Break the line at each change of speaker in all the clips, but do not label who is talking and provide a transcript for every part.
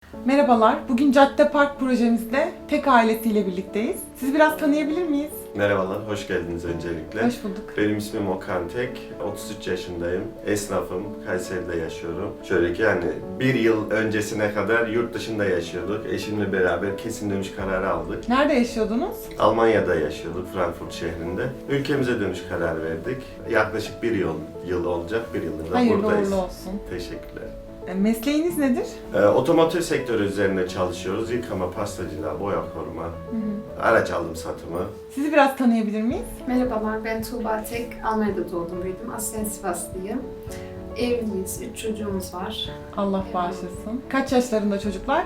Merhabalar, bugün Cadde Park projemizde tek ailesiyle birlikteyiz. Sizi biraz tanıyabilir miyiz?
Merhabalar, hoş geldiniz öncelikle.
Hoş bulduk.
Benim ismim Okan Tek, 33 yaşındayım, esnafım, Kayseri'de yaşıyorum. Şöyle ki hani bir yıl öncesine kadar yurt dışında yaşıyorduk. Eşimle beraber kesin dönüş kararı aldık.
Nerede yaşıyordunuz?
Almanya'da yaşıyorduk, Frankfurt şehrinde. Ülkemize dönüş kararı verdik. Yaklaşık bir yıl olacak, bir yıldır da
Hayırlı
buradayız.
uğurlu olsun.
Teşekkürler.
Mesleğiniz nedir?
Otomotiv sektörü üzerine çalışıyoruz. Yıkama, pastacılığa, boya koruma, araç alım satımı.
Sizi biraz tanıyabilir miyiz?
Merhabalar, ben Tuğba Tek. Almanya'da doğdum, büyüdüm. Aslen Sivaslıyım. Evliyiz, 3 çocuğumuz var.
Allah bağışlasın. Kaç yaşlarında çocuklar?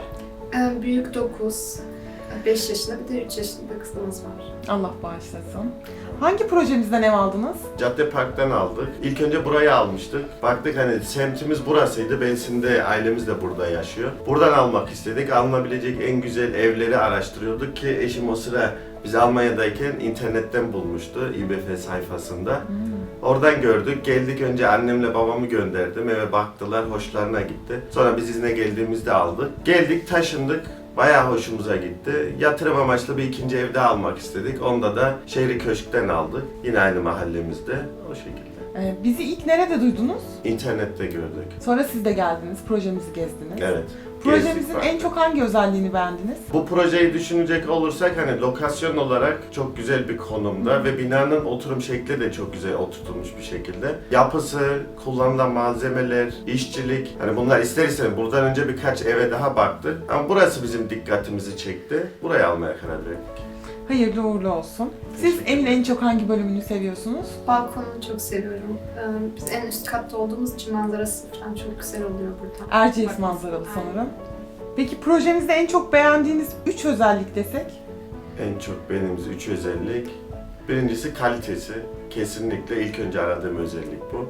Büyük 9, 5 yaşında, bir de 3 yaşında kızımız var.
Allah bağışlasın. Hangi projemizden ev aldınız?
Cadde Park'tan aldık. İlk önce burayı almıştık. Baktık hani semtimiz burasıydı. Bensin'de ailemiz de burada yaşıyor. Buradan almak istedik. Alınabilecek en güzel evleri araştırıyorduk ki eşim o sıra biz Almanya'dayken internetten bulmuştu İBF sayfasında. Oradan gördük. Geldik önce annemle babamı gönderdim. Eve baktılar. Hoşlarına gitti. Sonra biz izne geldiğimizde aldık. Geldik taşındık. Bayağı hoşumuza gitti. Yatırım amaçlı bir ikinci evde almak istedik. Onda da Şehri Köşk'ten aldık. Yine aynı mahallemizde. O şekilde.
Bizi ilk nerede duydunuz?
İnternette gördük.
Sonra siz de geldiniz, projemizi gezdiniz.
Evet.
Projemizin
gezdik,
en
baktık.
çok hangi özelliğini beğendiniz?
Bu projeyi düşünecek olursak hani lokasyon olarak çok güzel bir konumda ve binanın oturum şekli de çok güzel oturtulmuş bir şekilde. Yapısı, kullanılan malzemeler, işçilik, hani bunlar ister istemez buradan önce birkaç eve daha baktık. Ama burası bizim dikkatimizi çekti. Burayı almaya karar verdik.
Hayırlı uğurlu olsun. Siz evin en çok hangi bölümünü seviyorsunuz?
Balkonunu çok seviyorum. Biz en üst katta olduğumuz için manzarası falan çok güzel oluyor burada.
Erciyes
Bak-
manzaralı
Aynen.
sanırım. Peki projemizde en çok beğendiğiniz 3 özellik desek?
En çok beğendiğimiz 3 özellik. Birincisi kalitesi. Kesinlikle ilk önce aradığım özellik bu.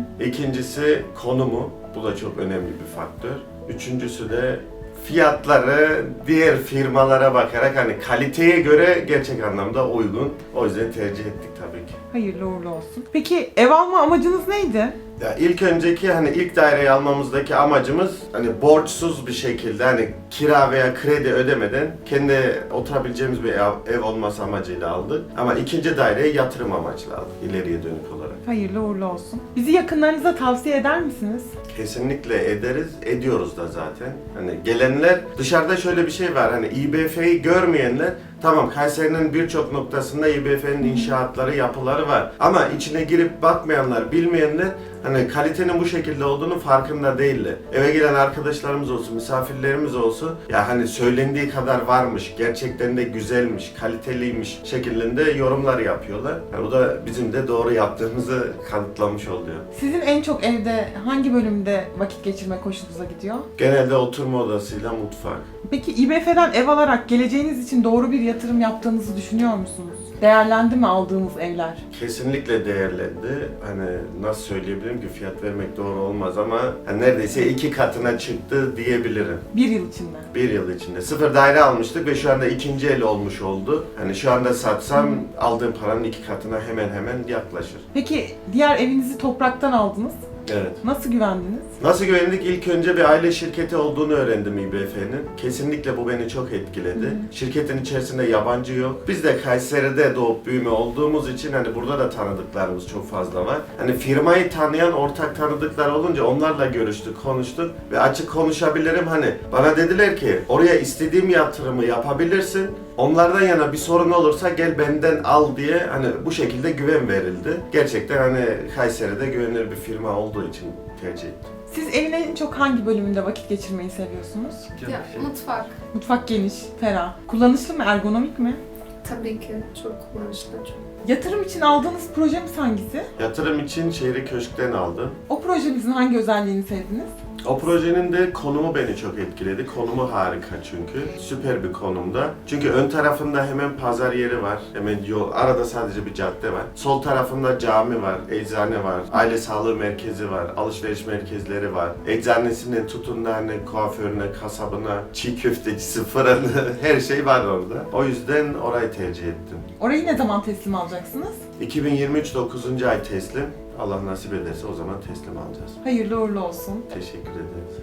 İkincisi konumu. Bu da çok önemli bir faktör. Üçüncüsü de fiyatları diğer firmalara bakarak hani kaliteye göre gerçek anlamda uygun. O yüzden tercih ettik tabii ki.
Hayırlı uğurlu olsun. Peki ev alma amacınız neydi?
Ya ilk önceki hani ilk daireyi almamızdaki amacımız hani borçsuz bir şekilde hani kira veya kredi ödemeden kendi oturabileceğimiz bir ev olması amacıyla aldık. Ama ikinci daireyi yatırım amaçlı aldık ileriye dönük olarak.
Hayırlı uğurlu olsun. Bizi yakınlarınıza tavsiye eder misiniz?
Kesinlikle ederiz, ediyoruz da zaten. Hani gelenler, dışarıda şöyle bir şey var, hani İBF'yi görmeyenler, tamam Kayseri'nin birçok noktasında İBF'nin inşaatları, yapıları var. Ama içine girip bakmayanlar, bilmeyenler, hani kalitenin bu şekilde olduğunu farkında değiller. Eve gelen arkadaşlarımız olsun, misafirlerimiz olsun, ya hani söylendiği kadar varmış, gerçekten de güzelmiş, kaliteliymiş şeklinde yorumlar yapıyorlar. Yani bu da bizim de doğru yaptığımızı kanıtlamış oluyor.
Sizin en çok evde hangi bölümde vakit geçirmek hoşunuza gidiyor?
Genelde oturma odasıyla mutfak.
Peki İBF'den ev alarak geleceğiniz için doğru bir yatırım yaptığınızı düşünüyor musunuz? Değerlendi mi aldığımız evler?
Kesinlikle değerlendi. Hani nasıl söyleyebilirim ki fiyat vermek doğru olmaz ama hani neredeyse 2 katına çıktı diyebilirim.
Bir yıl içinde.
Bir yıl içinde. Sıfır daire almıştık ve şu anda ikinci el olmuş oldu. Hani şu anda satsam aldığım paranın 2 katına hemen yaklaşır.
Peki diğer evinizi topraktan aldınız.
Evet.
Nasıl güvendiniz?
Nasıl güvendik? İlk önce bir aile şirketi olduğunu öğrendim İBF'nin. Kesinlikle bu beni çok etkiledi. Şirketin içerisinde yabancı yok. Biz de Kayseri'de doğup büyüme olduğumuz için hani burada da tanıdıklarımız çok fazla var. Hani firmayı tanıyan ortak tanıdıklar olunca onlarla görüştük, konuştuk ve açık konuşabilirim hani. Bana dediler ki oraya istediğim yatırımı yapabilirsin. Onlardan yana bir sorun olursa gel benden al diye hani bu şekilde güven verildi. Gerçekten hani Kayseri'de güvenilir bir firma olduğu için tercih ettim.
Siz evin en çok hangi bölümünde vakit geçirmeyi seviyorsunuz?
Ya, mutfak
Mutfak geniş, ferah. Kullanışlı mı, ergonomik mi?
tabii ki çok kullanışlı, çok.
Yatırım için aldığınız projemiz hangisi?
Yatırım için Şehri Köşk'ten aldım.
O projemizin hangi özelliğini sevdiniz?
O projenin de konumu beni çok etkiledi. Konumu harika çünkü. Süper bir konumda. Çünkü ön tarafında hemen pazar yeri var. Hemen yol. Arada sadece bir cadde var. Sol tarafında cami var, eczane var, aile sağlığı merkezi var, alışveriş merkezleri var. Eczanesinden tutun da hani kuaförüne, kasabına, çiğ köftecisi, fırını her şey var orada. O yüzden orayı tercih ettim.
Orayı ne zaman teslim alacaksınız?
2023 9. ay teslim. Allah nasip ederse o zaman teslim alacağız.
Hayırlı uğurlu olsun.
Teşekkür ederiz.